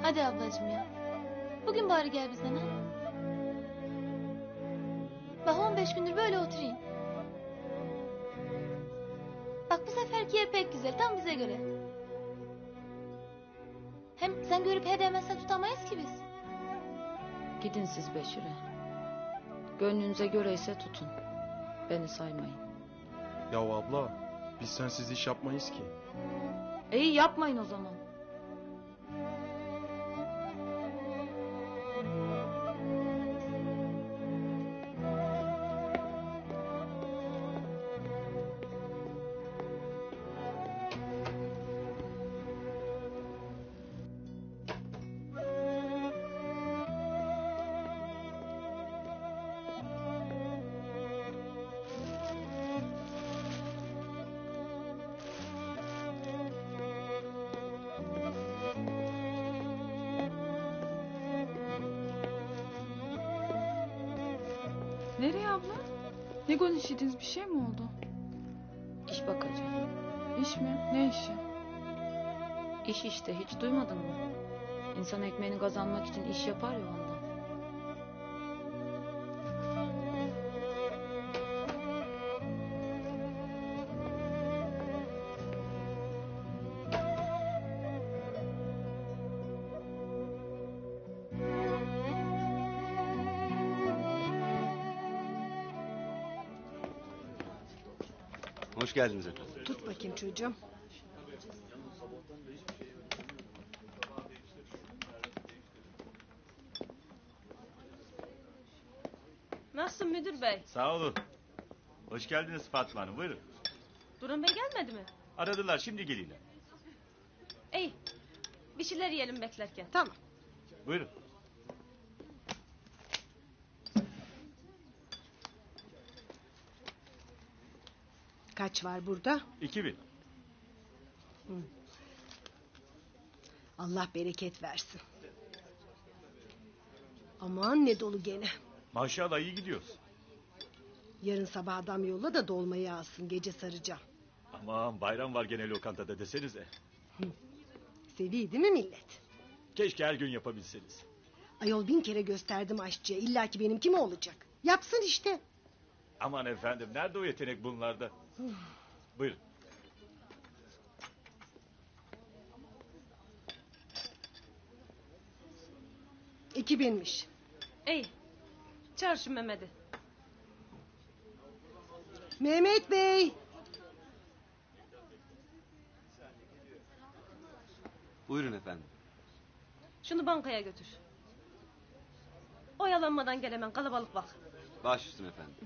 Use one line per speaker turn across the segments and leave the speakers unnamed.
Hadi ablacığım ya. Bugün bari gel bizden ha. Bak 15 gündür böyle oturayım. Bak bu seferki yer pek güzel. Tam bize göre. Hem sen görüp he demezsen tutamayız ki biz.
Gidin siz Beşir'e. Gönlünüze göreyse tutun. Beni saymayın.
Ya abla, biz sensiz iş yapmayız ki.
İyi yapmayın o zaman.
Nereye abla? Ne konuşuyorsunuz, bir şey mi oldu?
İş bakacağım.
İş mi? Ne işi?
İş işte, hiç duymadın mı? İnsan ekmeğini kazanmak için iş yapar ya ondan.
Hoş geldiniz efendim.
Tut bakayım çocuğum.
Nasılsın müdür bey?
Sağ olun. Hoş geldiniz Fatma Hanım. Buyurun.
Durum bey gelmedi mi?
Aradılar, şimdi geliyorlar.
İyi. Bir şeyler yiyelim beklerken.
Tamam.
Buyurun.
Kaç var burada?
2000.
Allah bereket versin. Aman ne dolu gene.
Maşallah iyi gidiyoruz.
Yarın sabah adam yolla da dolmayı alsın. Gece saracağım.
Aman bayram var gene lokantada desenize.
Seviyor değil mi millet?
Keşke her gün yapabilseniz.
Ayol 1000 kere gösterdim aşçıya. İlla ki benimki mi olacak? Yapsın işte.
Aman efendim, nerede o yetenek bunlarda? Buyurun.
$2000'miş.
İyi. Çağır şu Mehmet'i.
Mehmet Bey.
Buyurun efendim.
Şunu bankaya götür. Oyalanmadan gel hemen, kalabalık bak.
Baş üstüne efendim.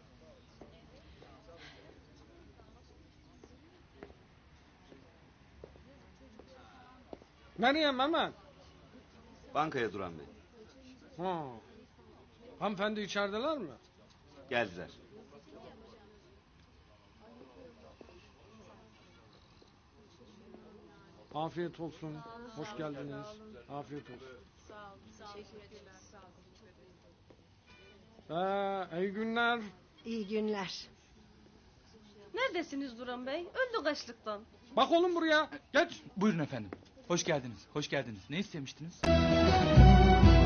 Nereye Mehmet?
Bankaya Duran Bey.
Ha. Hanımefendi içerideler mi?
Geldiler.
Afiyet olsun. Hoş geldiniz. Afiyet olsun. İyi günler.
İyi günler.
Neredesiniz Duran bey? Öldü açlıktan.
Bak oğlum buraya. Geç.
Buyurun efendim. Hoş geldiniz. Hoş geldiniz. Ne istemiştiniz?